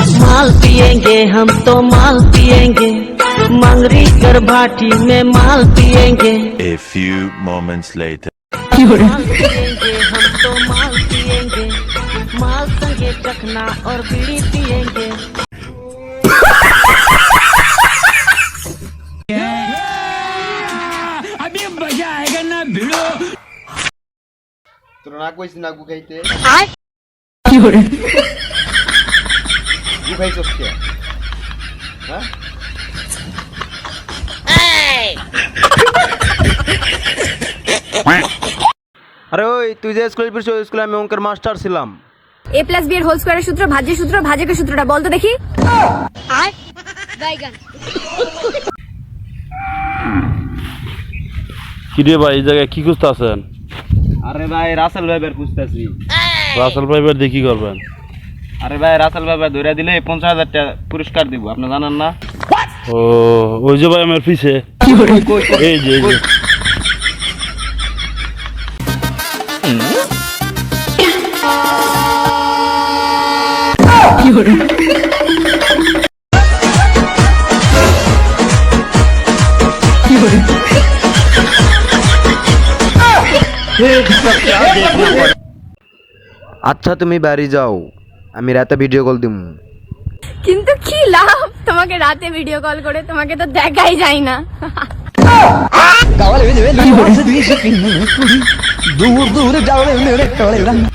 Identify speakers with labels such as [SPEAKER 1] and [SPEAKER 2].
[SPEAKER 1] माल पिएंगे हम तो माल पिएंगे, मंगरी कर भाटी में माल पिएंगे।
[SPEAKER 2] A few moments later.
[SPEAKER 1] माल पिएंगे हम तो माल पिएंगे, माल संगे चखना और बीड़ी पिएंगे।
[SPEAKER 3] अभी मजा आएगा ना भिड़ो।
[SPEAKER 4] তোরা না কইছিস না গু খাইতে
[SPEAKER 1] কি করে
[SPEAKER 4] গু খাইছস কে হ্যাঁ আরে ওই তুই যে স্কুলে পড়ছিস ওই স্কুলে আমি অঙ্কের মাস্টার ছিলাম।
[SPEAKER 5] a + b এর হোল স্কয়ারের সূত্র, ভাজ্যের সূত্র, ভাজকের সূত্রটা বল তো দেখি। আর বাইগান
[SPEAKER 6] কি রে ভাই, এই জায়গায় কি খুঁজতে আছেন?
[SPEAKER 4] আরে ভাই রাসেল ভাইবের খুঁজতেছি।
[SPEAKER 6] রাসেল ভাইবার দিয়ে কি করবেন?
[SPEAKER 4] আরে ভাই রাসেল ভাইবা ধরে দিলে 50,000 টাকা পুরস্কার দিব, আপনি জানেন না?
[SPEAKER 6] ও ওই যে ভাই আমার পিছে এই যে
[SPEAKER 4] আচ্ছা তুমি বাড়ি যাও, আমি রাতে ভিডিও কল দিমু।
[SPEAKER 5] কিন্তু কি লাভ তোমাকে রাতে ভিডিও কল করে, তোমাকে তো দেখাই যায় না।
[SPEAKER 3] দূর দূর যাও